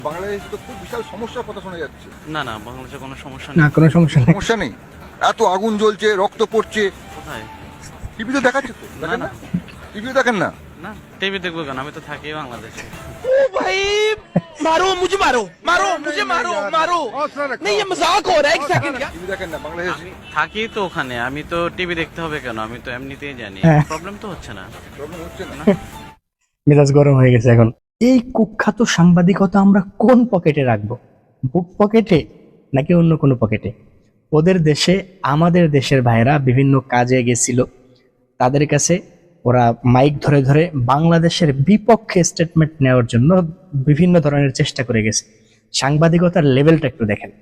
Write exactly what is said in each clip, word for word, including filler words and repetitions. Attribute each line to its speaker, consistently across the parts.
Speaker 1: বাংলাদেশে তো খুব বিশাল সমস্যার কথা শোনা যাচ্ছে।
Speaker 2: না না বাংলাদেশে কোনো সমস্যা
Speaker 3: না
Speaker 2: নেই।
Speaker 3: কোনো সমস্যা নেই।
Speaker 1: সমস্যা নেই, এত আগুন জ্বলছে, রক্ত পড়ছে,
Speaker 2: কোথায়?
Speaker 1: টিভিতে দেখাচ্ছে তো,
Speaker 2: না
Speaker 1: দেখেন
Speaker 2: না
Speaker 1: না? টিভিতে দেখেন না?
Speaker 2: না টিভি দেখবো কেন, আমি তো থাকি বাংলাদেশে।
Speaker 4: भाई मारो मुझे मारो मारो मुझे मारो मारो नहीं ये मजाक हो रहा है एक सेकंड का
Speaker 1: টিভি দেখেন না বাংলাদেশে?
Speaker 2: আমি থাকি তো ওখানে, আমি তো টিভি দেখতে হবে কেন, আমি তো এমনিতেই জানি।
Speaker 3: হ্যাঁ।
Speaker 2: প্রবলেম তো হচ্ছে না।
Speaker 1: প্রবলেম হচ্ছে না।
Speaker 3: মেজাজ গরম হয়ে গেছে এখন। এই কুখ্যাত সাংবাদিকতা আমরা কোন পকেটে রাখবো? বুক পকেটে নাকি অন্য কোনো পকেটে? ওদের দেশে আমাদের দেশের ভাইরা বিভিন্ন কাজে গেছিল, তাদের কাছে ওরা মাইক ধরে ধরে বাংলাদেশের বিপক্ষে স্টেটমেন্ট নেওয়ার জন্য বিভিন্ন ধরনের চেষ্টা করে গেছে। সাংবাদিকতার লেভেলটা একটু দেখেন,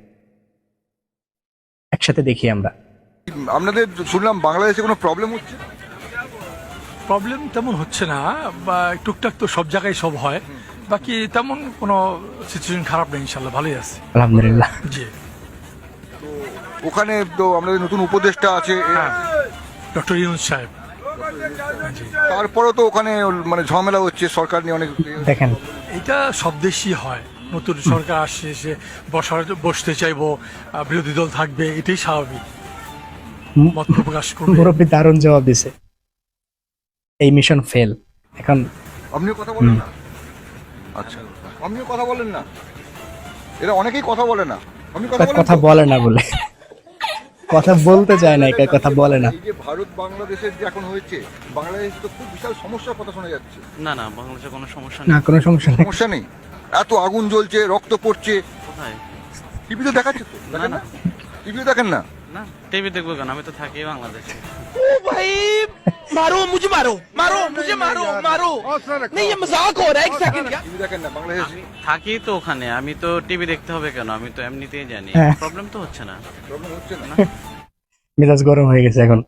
Speaker 3: একসাথে দেখি আমরা।
Speaker 1: আপনাদের শুনলাম বাংলাদেশে কোনো প্রবলেম হচ্ছে?
Speaker 5: প্রবলেম তেমন হচ্ছে না, বা টুকটাক তো সব জায়গায় সব হয়, বাকি তেমন কোনো সিচুয়েশন খারাপ নেই, ইনশাল্লাহ ভালোই আছে।
Speaker 3: আলহামদুলিল্লাহ।
Speaker 5: জি
Speaker 1: ওখানে তো আমাদের নতুন উপদেষ্টা আছে,
Speaker 5: হ্যাঁ, ডক্টর ইউনুস সাহেব। জি,
Speaker 1: তারপরেও তো ওখানে মানে ঝামেলা হচ্ছে সরকার নিয়ে অনেক।
Speaker 3: দেখেন
Speaker 5: এটা সব দেশই হয়, নতুন সরকার আসছে, সে বসার বসতে চাইবো, আহ, বিরোধী দল থাকবে, এটাই স্বাভাবিক, মত প্রকাশ করবে।
Speaker 3: মুরব্বী দারুণ জবাব দিছে। এই মিশন ফেল। এখন
Speaker 1: আপনিও কথা বলেন না? আচ্ছা, আপনিও কথা বলেন না? এরা অনেকেই কথা বলে না। আপনি কথা বলেন?
Speaker 3: কথা
Speaker 1: তো?
Speaker 3: বলে না বলে কথা বলতে চায় না, একা কথা বলে না।
Speaker 1: এই যে ভারত বাংলাদেশের যে এখন হয়েছে, বাংলাদেশে তো খুব বিশাল সমস্যার কথা শোনা যাচ্ছে।
Speaker 2: না না বাংলাদেশে কোনো সমস্যা
Speaker 3: না
Speaker 2: নেই।
Speaker 3: কোনো সমস্যা নেই।
Speaker 1: সমস্যা নেই, এত আগুন জ্বলছে, রক্ত পড়ছে,
Speaker 2: কোথায়?
Speaker 1: টিভিতে দেখাচ্ছে তো, দেখেন না?
Speaker 2: না।
Speaker 1: টিভিতে দেখেন না?
Speaker 2: না টিভি দেখবো কেন, আমি তো থাকি বাংলাদেশে।
Speaker 4: भाई मारो मुझे मारो मारो मुझे मारो मारो नहीं ये मजाक हो रहा है एक सेकंड का
Speaker 1: টিভি দেখেন না বাংলাদেশে?
Speaker 2: আমি থাকি তো ওখানে, আমি তো টিভি দেখতে হবে কেন, আমি তো এমনিতেই জানি।
Speaker 3: হ্যাঁ।
Speaker 2: প্রবলেম তো হচ্ছে না।
Speaker 1: প্রবলেম হচ্ছে না।
Speaker 3: মেজাজ গরম হয়ে গেছে এখন।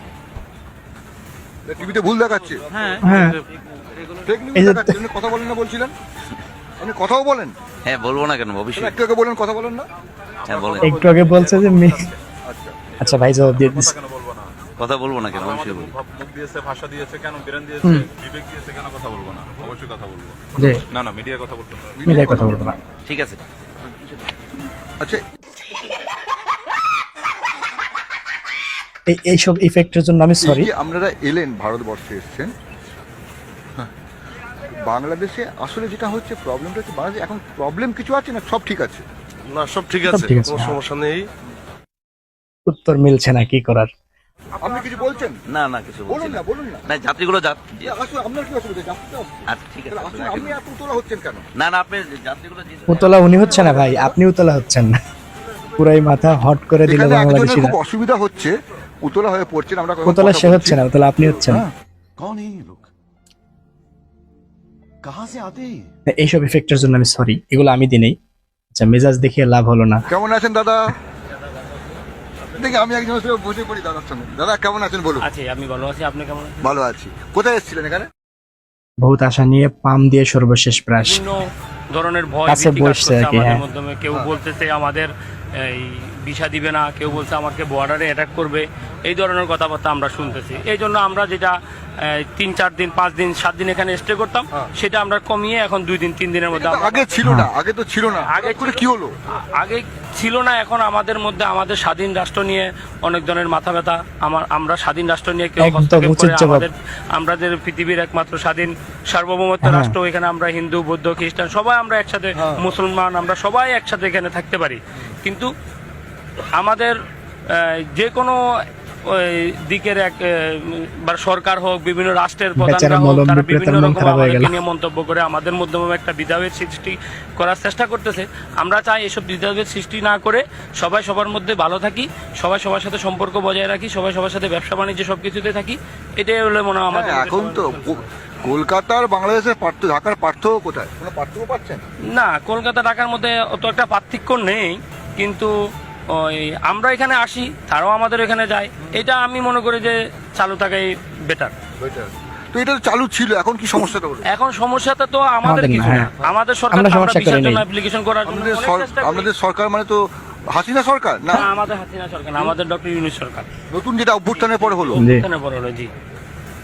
Speaker 1: টিভিতে ভুল দেখাচ্ছে,
Speaker 2: হ্যাঁ
Speaker 3: হ্যাঁ।
Speaker 1: ফেক নিউজ
Speaker 3: এই যে-
Speaker 1: দেখাচ্ছে। আপনি কথা বলেন না বলছিলেন, আপনি কথাও বলেন?
Speaker 6: হ্যাঁ বলবো না কেন, অবশ্যই।
Speaker 1: একটু আগে বলেন কথা বলেন না?
Speaker 6: হ্যাঁ বলেন,
Speaker 3: একটু আগে বলছে যে মে-
Speaker 1: আচ্ছা,
Speaker 3: আচ্ছা ভাই জবাব দিয়ে দিচ্ছে।
Speaker 7: কেন বলবো না?
Speaker 6: কথা বলবো না কেন, অবশ্যই
Speaker 7: আমাদের
Speaker 6: বলবো।
Speaker 7: মুখ মুখ দিয়েছে, ভাষা দিয়েছে, কেন বিরান দিয়েছে, বিবেক দিয়েছে, কেন কথা বলবো না? অবশ্যই কথা বলবো।
Speaker 3: যে
Speaker 7: না না মিডিয়ার কথা বলতে হবে।
Speaker 3: মিডিয়ায় কথা বলবো না।
Speaker 6: ঠিক আছে।
Speaker 1: আচ্ছা,
Speaker 3: এই এইসব ইফেক্টের জন্য আমি সরি।
Speaker 1: এই যে আপনারা এলেন, ভারতবর্ষে এসেছেন, হ্যাঁ, বাংলাদেশে আসলে যেটা হচ্ছে প্রবলেমটা হচ্ছে বাংলাদেশে এখন প্রবলেম কিছু আছে না, সব ঠিক আছে?
Speaker 8: না সব ঠিক
Speaker 3: সব
Speaker 8: আছে,
Speaker 3: ঠিক আছে,
Speaker 8: কোনো
Speaker 3: হ্যাঁ।
Speaker 8: সমস্যা নেই।
Speaker 3: উত্তর মিলছে না, কি করার?
Speaker 1: আপনি কিছু বলছেন?
Speaker 6: না না কিছু বলছি
Speaker 1: বলুন
Speaker 6: না।
Speaker 1: না, বলুন না।
Speaker 6: না যাত্রীগুলো যা
Speaker 1: আসলে আপনার কি অসুবিধা? যাত্রীটা আসছে।
Speaker 6: আচ্ছা ঠিক আছে,
Speaker 1: তাহলে আসলে আপনি এত উতলা হচ্ছেন কেন?
Speaker 6: না না আপনি যাত্রীগুলো যে-
Speaker 3: উতলা উনি হচ্ছে না ভাই, আপনি উতলা হচ্ছেন না। পুরাই মাথা হট করে দিল
Speaker 1: এখানে একজনের
Speaker 3: বাংলাদেশিরা।
Speaker 1: খুব অসুবিধা হচ্ছে, উতলা হয়ে পড়ছেন। আমরা কথা
Speaker 3: উতলা সে
Speaker 1: বলছি।
Speaker 3: হচ্ছে না, উতলা আপনি হচ্ছেন।
Speaker 1: হ্যাঁ।
Speaker 8: कौन है ये लोग? कहाँ से आते हैं?
Speaker 3: এইসব ইফেক্টের জন্য আমি সরি, এগুলো আমি দিই নাই। আচ্ছা মেজাজ দেখিয়ে লাভ হলো না।
Speaker 1: কেমন আছেন দাদা? দেখি আমি একজনের সঙ্গে বসে পড়ি দাদার সঙ্গে। দাদা কেমন আছেন বলুন?
Speaker 2: আছি, আমি ভালো আছি, আপনি কেমন আছেন?
Speaker 1: ভালো আছি। কোথায় এসেছিলেন এখানে?
Speaker 3: বহুত আশা নিয়ে পাম দিয়ে সর্বশেষ প্রাস।
Speaker 9: বিভিন্ন ধরনের ভয়
Speaker 3: কাছে
Speaker 9: ভীতি কাজ
Speaker 3: বসছে
Speaker 9: করছে
Speaker 3: আর কি,
Speaker 9: আমাদের
Speaker 3: হ্যাঁ।
Speaker 9: মাধ্যমে। কেউ বলতেছে আমাদের এই ভিসা দিবে না, কেউ বলছে আমাকে বর্ডারে অ্যাটাক করবে, এই ধরনের কথাবার্তা আমরা শুনতেছি। এই জন্য আমরা যেটা এই, তিন চার দিন পাঁচ দিন সাত দিন এখানে স্টে করতাম, সেটা আমরা কমিয়ে এখন দুই দিন তিন দিনের মধ্যে
Speaker 1: এটা তো
Speaker 9: আমরা-
Speaker 1: আগে ছিল না, আগে তো ছিল না।
Speaker 9: আগে
Speaker 1: আগে করে
Speaker 9: ছিল-
Speaker 1: কি হলো?
Speaker 9: আ- আগে ছিল না, এখন আমাদের মধ্যে আমাদের স্বাধীন রাষ্ট্র নিয়ে অনেক ধরনের মাথা ব্যথা। আমার আমরা স্বাধীন রাষ্ট্র নিয়ে কেউ
Speaker 3: একদম
Speaker 9: হস্তক্ষেপ
Speaker 3: উচিত
Speaker 9: করে
Speaker 3: জবাব।
Speaker 9: আমাদের আমাদের পৃথিবীর একমাত্র স্বাধীন সার্বভৌমত্ব
Speaker 3: হ্যাঁ।
Speaker 9: রাষ্ট্র, এখানে আমরা হিন্দু বৌদ্ধ খ্রিস্টান সবাই আমরা একসাথে, মুসলমান আমরা সবাই একসাথে এখানে থাকতে পারি। কিন্তু আমাদের আহ, যে কোনো ওই দিকের এক আহ, বা সরকার হোক, বিভিন্ন রাষ্ট্রের প্রধানরা
Speaker 3: বেচারা
Speaker 9: হোক,
Speaker 3: মলম
Speaker 9: তারা
Speaker 3: বিক্রেতার
Speaker 9: বিভিন্ন
Speaker 3: মন
Speaker 9: রকম
Speaker 3: খারাপ হয়ে
Speaker 9: আমাদেরকে
Speaker 3: গেল।
Speaker 9: নিয়ে মন্তব্য করে আমাদের মাধ্যমে একটা বিধাবের সৃষ্টি করার চেষ্টা করতেছে। আমরা চাই এসব বিধাবের সৃষ্টি না করে সবাই সবার মধ্যে ভালো থাকি, সবাই সবার সাথে সম্পর্ক বজায় রাখি, সবাই সবার সাথে ব্যবসা বাণিজ্য সবকিছুতে থাকি। এটাই হলো মনে হয় আমাদের
Speaker 1: হ্যাঁ, এখন তো
Speaker 9: সবার-
Speaker 1: কো- কলকাতার বাংলাদেশের পার্থক্য, ঢাকার পার্থক্য কোথায়? কোনো পার্থক্য পাচ্ছেন?
Speaker 9: না, কলকাতা ঢাকার মধ্যে অত একটা পার্থক্য নেই, কিন্তু ওই আমরা এখানে আসি, তারাও আমাদের এখানে যায়। এটা আমি মনে করি যে চালু থাকাই বেটার।
Speaker 1: Better। তো এটা তো চালু ছিল, এখন কি সমস্যাটা হলো?
Speaker 9: এখন সমস্যাটা তো আমাদের
Speaker 3: আমাদের না,
Speaker 9: কিছু না,
Speaker 3: হ্যাঁ।
Speaker 9: আমাদের সরকার
Speaker 3: আমরা
Speaker 9: তো আমরা
Speaker 3: সমস্যা
Speaker 9: ভিসার
Speaker 3: করি
Speaker 9: জন্য
Speaker 3: নাই।
Speaker 9: অ্যাপ্লিকেশন করার জন্য
Speaker 1: আমাদের
Speaker 9: অনেক
Speaker 1: সর-
Speaker 9: চেষ্টা করি।
Speaker 1: আমাদের সরকার মানে তো হাসিনা সরকার না,
Speaker 9: না, আমাদের হাসিনা সরকার না, আমাদের ডক্টর ইউনূস সরকার।
Speaker 1: নতুন যেটা অভ্যুত্থানের পরে হলো।
Speaker 3: জি।
Speaker 9: এখানে বড় হলো, জি।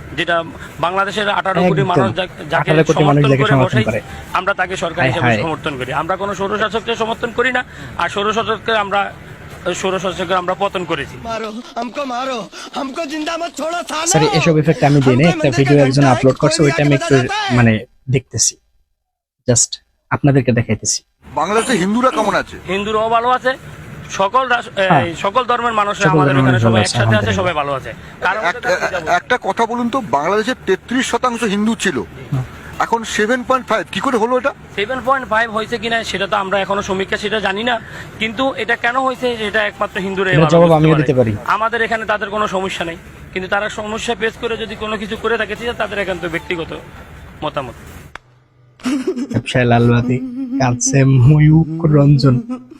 Speaker 9: যেটা বাংলাদেশের আঠারো কোটি
Speaker 3: একদম।
Speaker 9: মানুষ যা- যাকে
Speaker 3: আঠারো কোটি মানুষ
Speaker 9: সমর্থন
Speaker 3: যাকে
Speaker 9: করে
Speaker 3: সমর্থন
Speaker 9: বসাই
Speaker 3: করে।
Speaker 9: আমরা তাকে সরকার
Speaker 3: হায়
Speaker 9: হিসেবে
Speaker 3: হায়।
Speaker 9: সমর্থন করি। আমরা কোনো স্বৈরশাসককে সমর্থন করি না, আর স্বৈরশাসককে আমরা স্বৈরশাসককে আমরা পতন করেছি।
Speaker 4: मारो हमको मारो हमको जिंदा मत छोड़ो थाना
Speaker 3: স্যার এসব ইফেক্ট আমি দিই না, একটা ভিডিও একজন আপলোড করছে, ওইটা আমি একটু মানে দেখতেছি, জাস্ট আপনাদেরকে দেখাইতেছি।
Speaker 1: বাংলাদেশে হিন্দুরা কেমন আছে?
Speaker 9: হিন্দুরাও ভালো আছে, সকল রাস- এই,
Speaker 3: হ্যাঁ।
Speaker 9: সকল ধর্মের মানুষরা
Speaker 3: সকল
Speaker 9: আমাদের
Speaker 3: ধর্মের
Speaker 9: এখানে
Speaker 3: মানুষ
Speaker 9: সবাই
Speaker 3: ভালো আছে,
Speaker 9: একসাথে আছে,
Speaker 3: আলহামদুলিল্লাহ।
Speaker 9: সবাই ভালো আছে। কারণ
Speaker 1: এক- একটা কথা বলুন তো, বাংলাদেশে তেত্রিশ শতাংশ হিন্দু ছিল, এখন সেভেন পয়েন্ট ফাইভ কি করে হলো এটা?
Speaker 9: সেভেন পয়েন্ট ফাইভ হয়েছে কিনা সেটা তো আমরা এখনো সমীক্ষা সেটা জানি না, কিন্তু এটা কেন হয়েছে এটা একমাত্র হিন্দুরা
Speaker 3: এটার জবাব আমিও দিতে পারি।
Speaker 9: আমাদের এখানে তাদের কোনো সমস্যা নেই, কিন্তু তারা সমস্যা পেশ করে যদি কোনো কিছু করে থাকে সেটা তাদের একান্ত ব্যক্তিগত মতামত।
Speaker 3: ব্যবসায় লালবাতি কাছে ময়ূক রঞ্জন।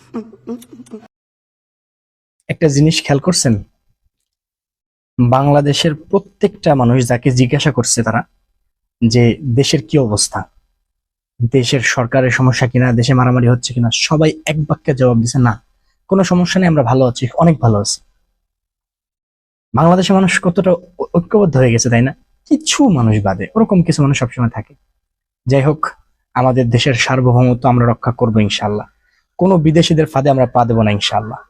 Speaker 3: একটা জিনিস খেয়াল করছেন, বাংলাদেশের প্রত্যেকটা মানুষ যাকে জিজ্ঞাসা করছে তারা যে দেশের কি অবস্থা, দেশের সরকারের সমস্যা কিনা, দেশে মারামারি হচ্ছে কিনা, সবাই এক বাক্যে জবাব দিছে না, কোনো সমস্যা নেই, আমরা ভালো আছি, অনেক ভালো আছি। বাংলাদেশের মানুষ কতটা ঐ- ঐক্যবদ্ধ হয়ে গেছে তাই না? কিছু মানুষ বাদে, ওরকম কিছু মানুষ সবসময় থাকে। যাই হোক, আমাদের দেশের সার্বভৌমত্ব আমরা রক্ষা করবো ইনশাল্লাহ, কোনো বিদেশিদের ফাঁদে আমরা পা দেবো না ইনশাল্লাহ।